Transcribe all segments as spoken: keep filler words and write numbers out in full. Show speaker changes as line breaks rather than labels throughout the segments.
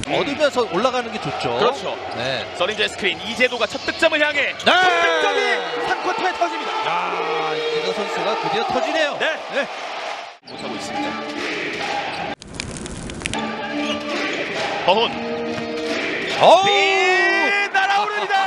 얻으면서 올라가는 게 좋죠.
그렇죠.
네.
서린저의 스크린, 이재도가 첫 득점을 향해
네.
첫 득점이 삼 쿼터에 터집니다.
야, 이재도 선수가 드디어 터지네요.
네.
네.
못하고 있습니다. 허훈
어우!
네, 날아오릅니다.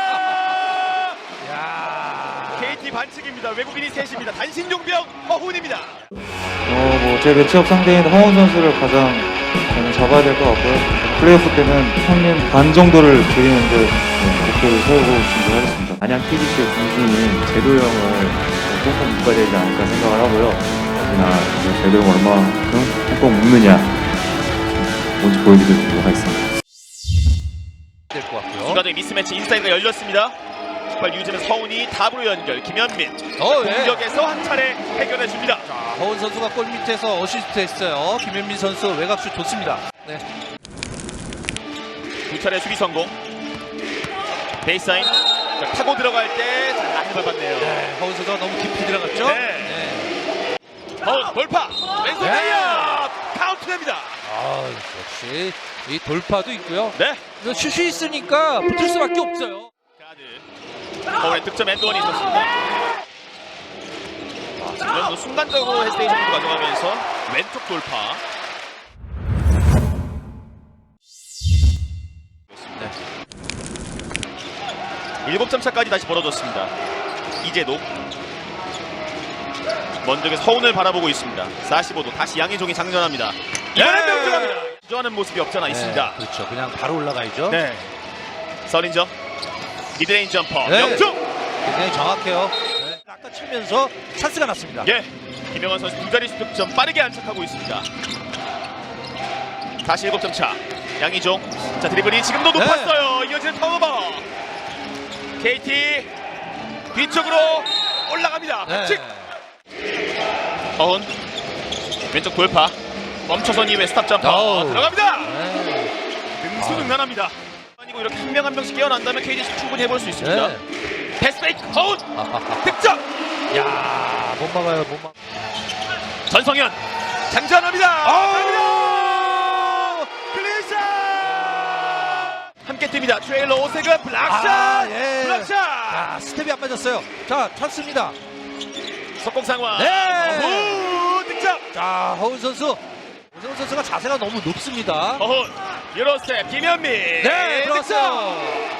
야.
케이티 반칙입니다. 외국인이 셋입니다. 단신 용병 허훈입니다.
어, 뭐, 제 매치업 상대인 허훈 선수를 가장 저는 잡아야 될 것 같고요. 플레이오프 때는 평균 반 정도를 드리는데 네, 목표를 세우고 준비하겠습니다. 안양 티비씨의 중심인 제도 형을 꼭 묶어야 되지 않을까 생각을 하고요. 역시나 그 제도 형 얼마만큼 꼭 묶느냐 뭔지 보여드리도록 하겠습니다.
될 것 같고요.
추가적인 미스매치 인사이드가 열렸습니다. 발 유지는 서훈이 답으로 연결. 김현민
어, 네.
공격에서 한 차례 해결해 줍니다.
자, 허훈 선수가 골 밑에서 어시스트 했어요. 김현민 선수 외곽슛 좋습니다. 네.
두 차례 수비 성공. 베이스라인 자, 타고 들어갈 때 잘 많이 밟았네요.
네, 허훈 선수가 너무 깊이 들어갔죠?
네. 허훈 돌파 왼손
네.
레이업 카운트됩니다.
아, 역시 이 돌파도 있고요.
네.
이거 슛이 있으니까 붙을 수밖에 없어요.
가드 허훈의 득점 엔드원이 있었습니다. 아, 지금 순간적으로 헤스테이션으로 가져가면서 왼쪽 돌파.
네.
일곱 점 차까지 다시 벌어졌습니다. 이재도 먼저 서훈을 바라보고 있습니다. 사십오 도 다시 양희종이 장전합니다. 이번엔
네.
명중합니다. 주저하는 모습이 없잖아 있습니다.
네, 그렇죠. 그냥 바로 올라가야죠.
네. 서린저 미드레인지 점퍼
네.
명중.
굉장히 정확해요. 네. 아까 치면서 찬스가 났습니다.
예. 김영환 선수 두 자릿수 득점 빠르게 안착하고 있습니다. 다시 일곱 점 차. 양희종. 자 드리블이 지금도
네.
높았어요. 이어지는 턴오버. 케이티 뒤쪽으로 올라갑니다.
네.
반칙. 허훈 왼쪽 돌파. 멈춰선 이후에 스탑 점퍼
어우.
들어갑니다.
네.
능수능란합니다. 아니고 이렇게 한 명 한 명씩 깨어난다면 케이티씨 충분히 해볼 수 있습니다.
네.
패스 페이크 허훈
아하하.
득점.
야, 못 막아요, 못 막.
전성현 장전합니다.
아우!
클리샷 함께 뜹니다. 트레일러 오세근 블락샷.
아, 예.
블락샷.
아, 스텝이 안 맞았어요. 자, 찬스입니다.
속공 상황.
네.
후 득점.
자, 허훈 선수. 오세훈 선수가 자세가 너무 높습니다.
허훈 유로스텝 김현민.
네,
득점.
들어왔어요.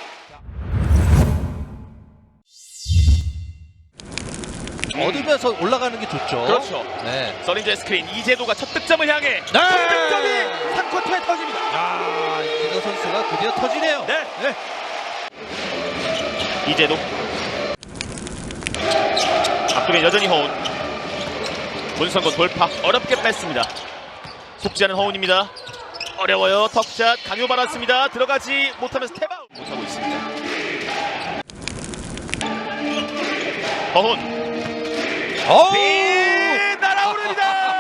얻으면서 올라가는 게 좋죠.
그렇죠.
네.
서린저의 스크린 이재도가 첫 득점을 향해
네.
첫 득점이 삼 쿼터에 터집니다.
야, 이재도 선수가 드디어 터지네요.
네.
네.
이재도 앞쪽에 여전히 허훈. 문성곤 돌파 어렵게 뺐습니다. 속지 않은 허훈입니다. 어려워요. 턱샷 강요 받았습니다. 들어가지 못하면서 스텝아웃 못하고 있습니다. 허훈
어우!
네, 날아오릅니다.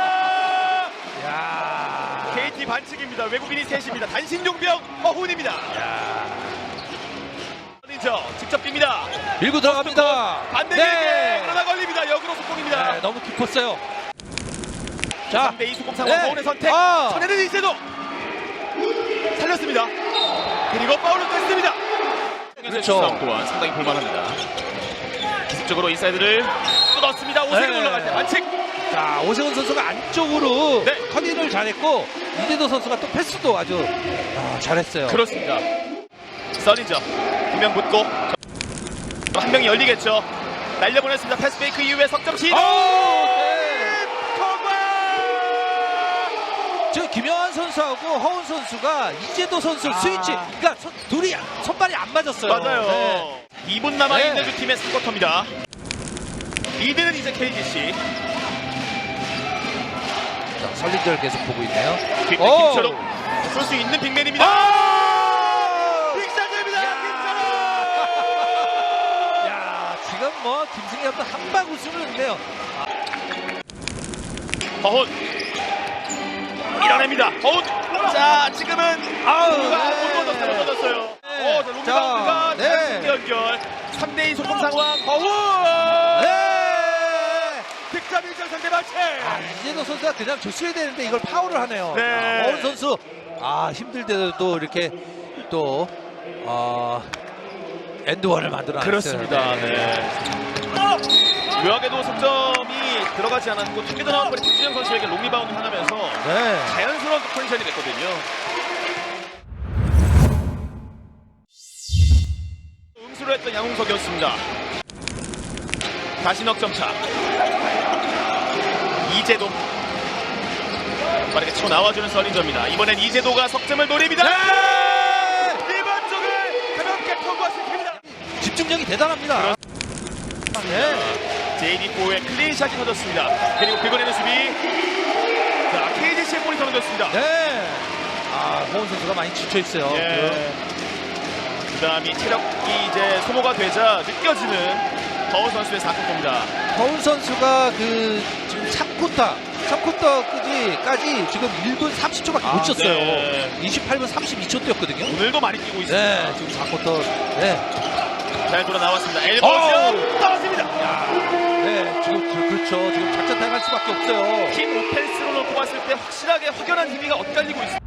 야.
케이티 반칙입니다. 외국인이 셋입니다. 단신 용병 허훈입니다.
야.
서린저 직접 뜁니다.
밀고 들어갑니다.
반대에게
네.
그러나 걸립니다. 역으로 속공입니다.
네, 너무 깊었어요. 자,
삼 대 이 속공 상황.
네.
허훈의 선택.
아.
전에는 이재도 살렸습니다. 그리고 파울을 뺐습니다.
그렇죠.
싸움 또한 상당히 볼만합니다. 기습적으로 인사이드를 뜯었습니다. 오세근
네.
올라갈 때 반칙.
자, 오세훈 선수가 안쪽으로
네.
커닝을 잘했고 이재도 선수가 또 패스도 아주 아, 잘했어요.
그렇습니다. 서린저 두 명 붙고 한 명이 열리겠죠. 날려보냈습니다. 패스 페이크 이후에 석점 시도.
네.
통과.
저 김영환 선수하고 허훈 선수가 이재도 선수
아.
스위치, 그러니까 선, 둘이 손발이 안 맞았어요.
맞아요.
네.
이 분 남아있는
네.
두 팀의 삼 쿼터입니다. 리드는 이제 케이티씨.
자, 설린절 계속 보고 있네요.
뒷
오.
김철웅 쏠 수 있는 빅맨입니다.
아!
빅샷입니다. 김철웅.
야, 지금 뭐 김승현도 한방 웃음을 내네요.
허훈 밀어냅니다. 허훈. 자 지금은
아우,
누가
네.
못 얻었어요. 못 얻었어요.
네.
오, 자 롱리바운드가
자, 네.
단순 연결. 삼 대 이 속공 상황. 허훈.
네.
득점 일 점 상대 반칙.
아, 이재도 선수가 그냥 줬어야 되는데 이걸 파울을 하네요.
네.
자, 허훈 선수 아 힘들 때도 이렇게 또 어, 엔드원을 만들어
그렇습니다. 네. 묘하게도 석점이 들어가지 않았고 튕겨져 나온 볼이 박주영 선수에게 롱 리바운드 하면서
네.
자연스러운 컨디션이 됐거든요. 응수를 했던 양홍석이었습니다. 다시 넉점차. 이재도 빠르게 치고 나와주는 설린저입니다. 이번엔 이재도가 석점을 노립니다. 이번 쪽을 가볍게 통과시킵니다.
집중력이 대단합니다. 네.
제이디포의 클린샷이 터졌습니다. 그리고 긁어내는 수비. 자, 케이지씨의 볼이 터졌습니다.
네. 아, 호은 선수가 많이 지쳐 있어요.
예. 그다음이 체력이 이제 소모가 되자 느껴지는 허운 선수의 사 쿼터입니다.
허운 선수가 그 지금 삼 쿼터, 삼 쿼터까지 지금 일 분 삼십 초밖에 못
아,
쳤어요.
네.
이십팔 분 삼십이 초 뛰었거든요.
오늘도 많이 뛰고 있습니다.
네, 지금 사 쿼터. 네.
잘 돌아 나왔습니다. 엘보죠. 떨어집니다.
네, 지금 그, 그렇죠. 지금 작전 당할 수밖에 없어요.
팀 오펜스로 놓고 봤을 때 확실하게 확연한 힘이 엇갈리고 있습니다.